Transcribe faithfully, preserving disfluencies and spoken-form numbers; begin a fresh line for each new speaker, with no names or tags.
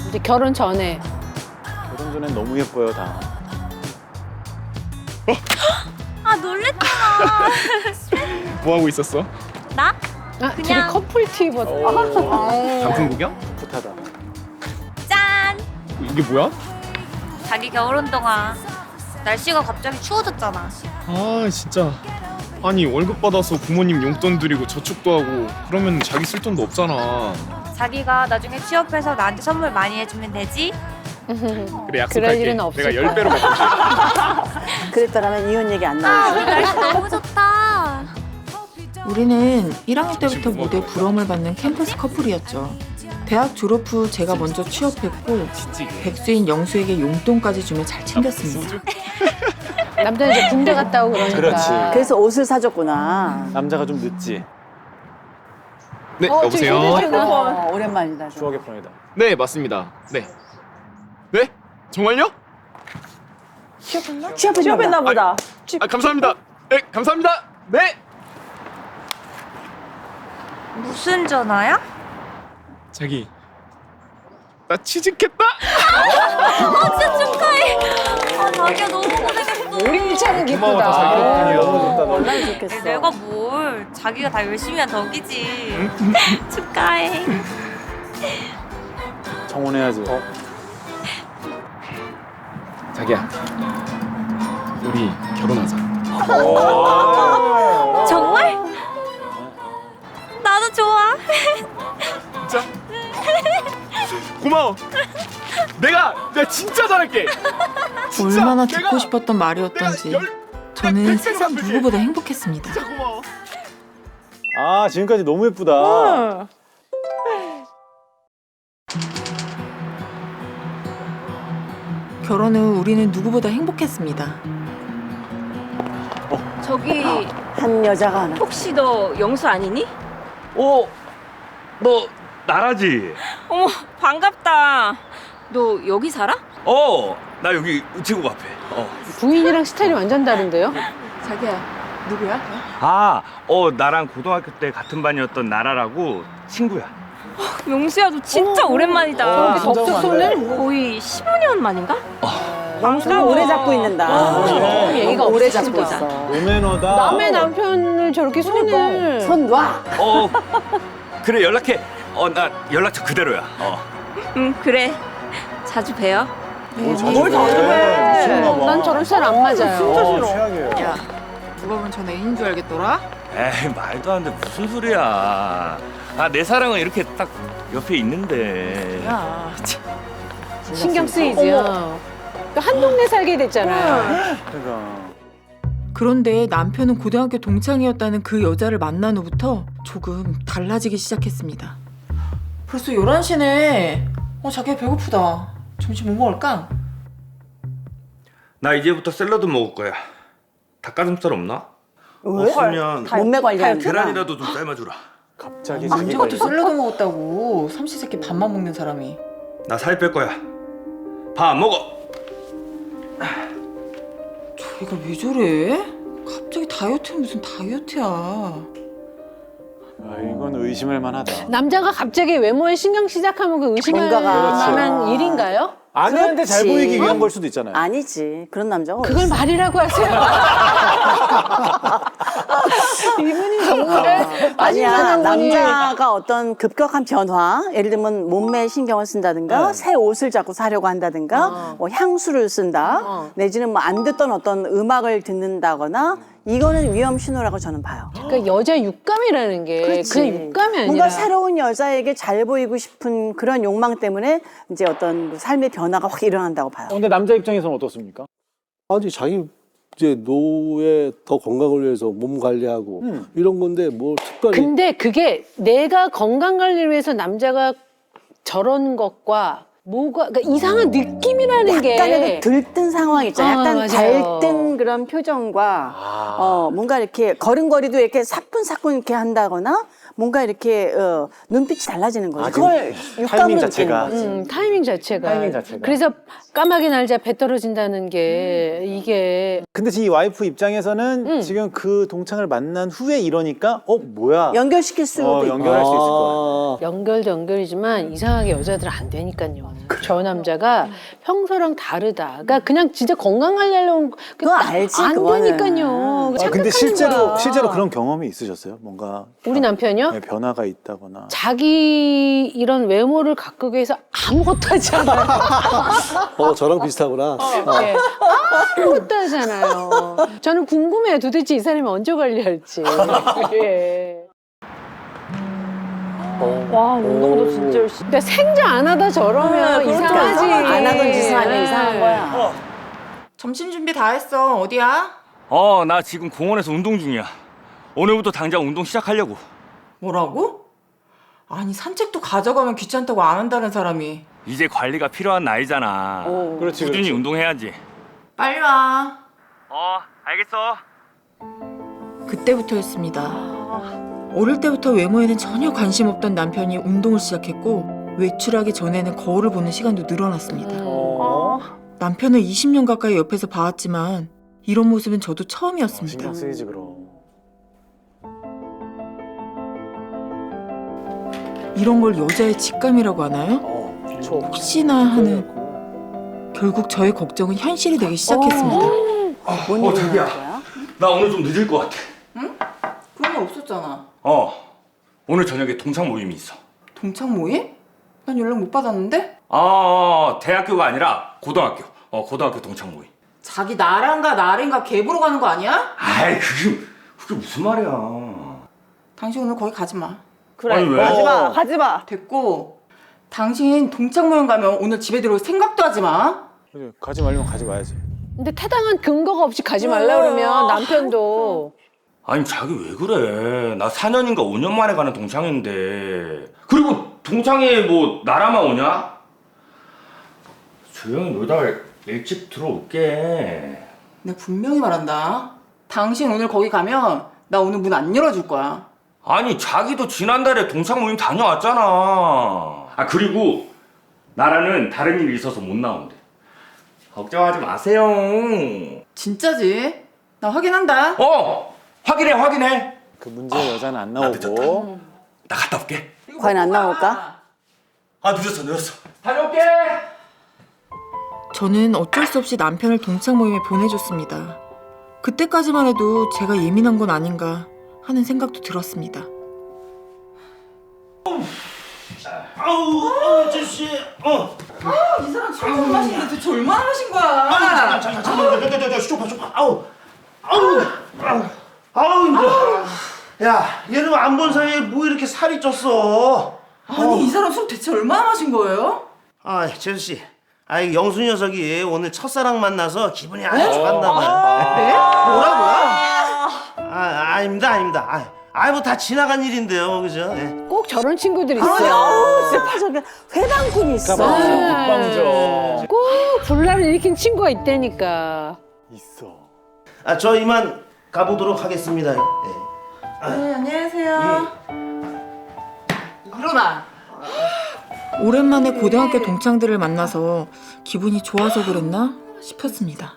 이제 결혼 전에.
결혼 전엔 너무 예뻐요 다.
아 놀랬잖아.
뭐 하고 있었어?
나?
아, 둘이
그냥-
커플 티 입었어.
단풍 구경?
풋하다.
짠!
이게 뭐야?
자기 겨울운동화. 날씨가 갑자기 추워졌잖아.
아 진짜. 아니 월급 받아서 부모님 용돈 드리고 저축도 하고 그러면 자기 쓸 돈도 없잖아.
자기가 나중에 취업해서 나한테 선물 많이 해주면 되지?
그래
그럴
약속할게.
일은 없을
내가 열 배로
거야.
갚을게.
그랬더라면 이혼 얘기 안
아,
나오지.
오늘 날씨 너무 좋다.
우리는 일 학년 때부터 모두의 부러움을 받는 캠퍼스 커플이었죠. 대학 졸업 후 제가 먼저 취업했고 백수인 영수에게 용돈까지 주며 잘 챙겼습니다.
남자는 이제 군대 갔다 오고 그러니까.
그렇지.
그래서 옷을 사줬구나.
남자가 좀 늦지.
네
어,
여보세요.
저기 휴대전화.
어, 오랜만이다. 좀.
추억의 프로이다.
네 맞습니다. 네. 네? 정말요?
취업했나 보다.
아 감사합니다. 네 감사합니다. 네.
무슨 전화야?
자기 나 취직했다.
아 진짜 축하해. 아 자기야 너무 고생했어.
우리 일차는
고마워, 다 자기
기쁘다.
덕분이야.
너무 좋다 너무.
얼마나 좋겠어.
내가 뭘 자기가 다 열심히 한 덕이지. 축하해.
청혼해야지. 어?
자기야 우리 결혼하자.
정말? 나도 좋아.
진짜? 고마워. 내가 내가 진짜 잘할게. 진짜
얼마나
내가-
듣고 싶었던 말이었던지
내가 열-
저는
백
세상
배로 갚을게.
누구보다 행복했습니다.
진짜 고마워.
아 지금까지 너무 예쁘다.
결혼 후 우리는 누구보다 행복했습니다.
저기
한 여자가 하나.
혹시 너 영수 아니니?
어, 너 나라지?
어머 반갑다. 너 여기 살아?
어, 나 여기 우체국 앞에. 어.
부인이랑 스타일이 완전 다른데요?
자기야 누구야?
아, 어, 나랑 고등학교 때 같은 반이었던 나라라고 친구야.
영수야 너 진짜 오랜만이다.
어, 진짜
법적
오랜만이네.
손을?
거의 십오 년 만인가?
영수는 오래 잡고 있는다.
어, 얘기가
오래
없으시다.
잡고 있어.
노매너다.
남의 남편을 저렇게 손을.
손 놔.
어, 그래 연락해. 어, 나 연락처 그대로야. 어.
응 그래. 자주 봬요.
뭘 자주
뭘 자주
해.
해.
미쳤나 봐.
난 저런 스타일 안 맞아요.
어, 최악이에요.
야 누가 보면 전 애인 줄 알겠더라?
에이, 말도 안 돼. 무슨 소리야. 아, 내 사랑은 이렇게 딱 옆에 있는데.
야 참.
신경 쓰이지요. 또 한 동네 살게 됐잖아요.
그러니까.
그런데 남편은 고등학교 동창이었다는 그 여자를 만난 후부터 조금 달라지기 시작했습니다. 벌써 열한 시네. 어 자기야 배고프다. 점심 뭐 먹을까?
나 이제부터 샐러드 먹을 거야. 닭가슴살 없나?
왜?
없으면
몸매 관리하는
계란이라도 좀 삶아주라.
갑자기 자기
언제부터
관리.
샐러드 먹었다고 삼시세끼 밥만 먹는 사람이.
나 살 뺄 거야. 밥 안 먹어.
저희가 왜 저래? 갑자기 다이어트는 무슨 다이어트야.
아, 이건 의심할 만하다.
남자가 갑자기 외모에 신경 시작하면 그 의심할
뭔가가-
만한
그렇지.
일인가요?
아내한테 잘
그렇지.
보이기 위한 걸 수도 있잖아요.
아니지. 그런 남자가
그걸
어딨어.
말이라고 하세요. 이분이 정말
아니야.
마지막은 분이-
남자가 어떤 급격한 변화, 예를 들면 몸매에 신경을 쓴다든가,
네.
새 옷을 자꾸 사려고 한다든가,
어.
뭐 향수를 쓴다,
어.
내지는 뭐 안 듣던 어떤 음악을 듣는다거나, 이거는 위험 신호라고 저는 봐요.
그러니까 여자 육감이라는 게
그렇지.
그 육감이 아니라
뭔가 새로운 여자에게 잘 보이고 싶은 그런 욕망 때문에 이제 어떤 그 삶의 변화가 확 일어난다고 봐요.
어, 근데 남자 입장에서는 어떻습니까?
아니 자기 이제 노후에 더 건강을 위해서 몸 관리하고
음.
이런 건데 뭐 특별히
근데 그게 내가 건강 관리를 위해서 남자가 저런 것과 뭐가 그러니까 이상한 느낌이라는 게
약간의 그 들뜬 상황 있잖아요.
아,
약간
맞아요.
달뜬 그런 표정과
아.
어 뭔가 이렇게 걸음걸이도 이렇게 사뿐사뿐 이렇게 한다거나 뭔가 이렇게 어, 눈빛이 달라지는 거죠.
아, 지금
그걸
타이밍
육감으로 느끼는
자체가.
거지.
음, 타이밍 자체가.
타이밍 자체가.
그래서 까마귀 날자 배 떨어진다는 게 이게
근데 지금 이 와이프 입장에서는
음.
지금 그 동창을 만난 후에 이러니까 어 뭐야?
연결시킬 수도
어,
있고.
연결할 수 있을 거야.
아,
연결도 연결이지만 이상하게 여자들은 안 되니까요. 저 남자가 평소랑 다르다. 그러니까 그냥 진짜 건강하려고
그거 알지,
안
그거는.
되니까요.
아, 근데
착각하는
실제로
거야.
실제로 그런 경험이 있으셨어요? 뭔가
우리 남편이요?
네, 변화가 있다거나.
자기 이런 외모를 가꾸기 위해서 아무것도 하지 않아요.
어, 저랑 비슷하구나. 어.
네. 아무것도 하잖아요. 저는 궁금해요. 도대체 이 사람이 언제 관리할지. 예.
와 운동도 진짜 열심히.
근데 생전 안 하다 저러면
그러니까
이상하지.
안 하던 짓을 하면
네.
이상한 거야.
점심 준비 다 했어. 어디야?
어, 나 지금 공원에서 운동 중이야. 오늘부터 당장 운동 시작하려고.
뭐라고? 아니 산책도 가져가면 귀찮다고 안 한다는 사람이.
이제 관리가 필요한 나이잖아.
그렇지,
꾸준히
그렇지.
운동해야지.
빨리 와.
어, 알겠어.
그때부터였습니다. 어릴 때부터 외모에는 전혀 관심 없던 남편이 운동을 시작했고 외출하기 전에는 거울을 보는 시간도 늘어났습니다.
어.
남편을 이십 년 가까이 옆에서 봐왔지만 이런 모습은 저도 처음이었습니다.
신경 쓰이지 그럼.
이런 걸 여자의 직감이라고 하나요?
어,
혹시나 하는 결국 저의 걱정은 현실이 되기 시작했습니다.
뭔
어,
일이
자기야.
있는 거야?
나 오늘 좀 늦을 것 같아.
그런 거 없었잖아.
어, 오늘 저녁에 동창 모임이 있어.
동창 모임? 난 연락 못 받았는데?
아, 대학교가 아니라 고등학교. 어, 고등학교 동창 모임.
자기 나랑가 나랑가 개 보러 가는 거 아니야?
아이, 그게, 그게 무슨 말이야.
당신 오늘 거기 가지 마.
그래
아니, 왜?
가지마 가지마.
됐고 당신 동창 모임 가면 오늘 집에 들어올 생각도 하지 마.
그래, 가지 말면 가지 마야지.
근데 타당한 근거가 없이 가지 말라 그러면 남편도
아니, 자기 왜 그래. 나 사 년인가 오 년 만에 가는 동창인데. 그리고 동창회 뭐 나라만 오냐? 조용히 놀다가 일찍 들어올게.
내가 분명히 말한다. 당신 오늘 거기 가면 나 오늘 문 안 열어줄 거야.
아니, 자기도 지난달에 동창 모임 다녀왔잖아. 아, 그리고 나라는 다른 일이 있어서 못 나온대. 걱정하지 마세요.
진짜지? 나 확인한다.
어! 확인해, 확인해.
그 문제의 여자는 안 나오고.
나 갔다 올게.
과연 안 나올까?
아, 늦었어, 늦었어. 다녀올게.
저는 어쩔 수 없이 남편을 동창 모임에 보내줬습니다. 그때까지만 해도 제가 예민한 건 아닌가 하는 생각도 들었습니다.
아우, 아우, 제시, 어.
이 사람 술 좀 마시는데 도대체 얼마나 마신 거야?
잠깐, 잠깐, 잠깐, 잠깐, 잠깐, 쇼파, 쇼파. 아우, 아우, 아우, 아우 힘들어. 야, 얘는 안 본 사이에 뭐 이렇게 살이 쪘어?
아니 이 사람 술 대체 얼마나 마신 거예요?
아, 재수 씨. 아, 이 영수 녀석이 오늘 첫사랑 만나서 기분이 아주 좋았나 봐요.
네? 뭐라고요?
아, 아닙니다, 아닙니다. 아, 아, 뭐 다 지나간 일인데요, 그죠? 예.
꼭 저런 친구들 있어요.
아우, 진짜 저기 회방꾼이 있어.
국방죠.
꼭 분란을 일으킨 친구가 있다니까.
있어.
아, 저 이만 가보도록 하겠습니다. 예.
네, 안녕하세요. 일어나. 오랜만에 고등학교 동창들을 만나서 기분이 좋아서 그랬나 싶었습니다.